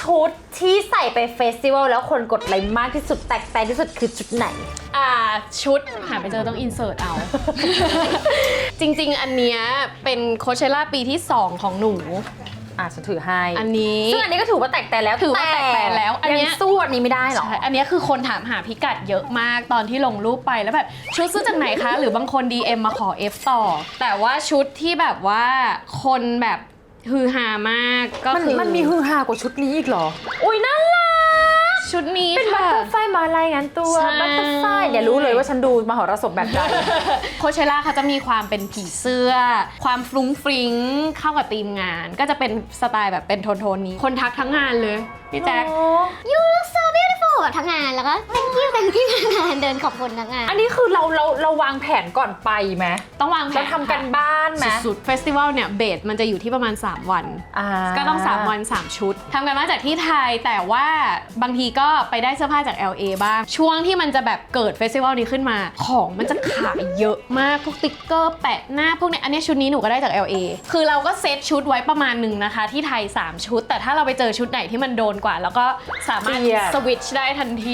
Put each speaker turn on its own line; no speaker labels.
ชุดที่ใส่ไปเฟสติวัลแล้วคนกดไลค์มากที่สุดแตกแต่ที่สุดคือชุดไหน
ชุดหาไปเจอต้องอินเสิร์ตเอา จริงๆอันเนี้ยเป็นโคเชล่าปีที่2ของหนู
ฉันถือให้
อันนี้
ซึ่งอันนี้ก็ถือว่าแตกแต่แล้ว
ถือว่าแตกแต่แล้ว
อันนี้สู้อันนี้ไม่ได้หรอ
อันนี้คือคนถามหาพิกัดเยอะมากตอนที่ลงรูปไปแล้วแบบชุดซื้อจากไหนคะหรือบางคน DM มาขอ F ต่อแต่ว่าชุดที่แบบว่าคนแบบฮือฮามากก็คือ
มันมีฮือฮากว่าชุดนี้อีกเหรออุ้ยน่ารัก
ชุดนี้
เป็นบัตเตอร์ไฟมารายงานตัวบัตเตอร์ไฟอย่ารู้เลยว่าฉันดูมหรสพแบบใด
โคเชล่าเขาจะมีความเป็นผีเสื้อความฟรุ้งฟริ้งเข้ากับธีมงานก็จะเป็นสไตล์แบบเป็นโทนนี้คนทักทั้งงานเลยพี่แจ๊ค
You look so beautiful แบบทั้งงานแล้วก็ thank you ทั้งงานเดินขอบคุณทั้งงาน
อันนี้คือเราวางแผนก่อนไปไหม
ต้องวางแผน
เราทำกันบ้านไหม
สุดๆเฟสติวัลเนี่ยเบสมันจะอยู่ที่ประมาณ3วันก็ต้อง3วัน3ชุดทำกันมาจากที่ไทยแต่ว่าบางทีก็ไปได้เสื้อผ้าจาก LA บ้างช่วงที่มันจะแบบเกิดเฟสติวัลนี้ขึ้นมาของมันจะขายเยอะมากพวกติ๊กเกอร์แปะหน้าพวกนี้อันนี้ชุดนี้หนูก็ได้จาก LA คือเราก็เซตชุดไว้ประมาณนึงนะคะที่ไทย3ชุดแต่ถ้าเราไปเจอชุดไหนที่มันโดนกว่าแล้วก็สามารถสวิตช์ได้ทันที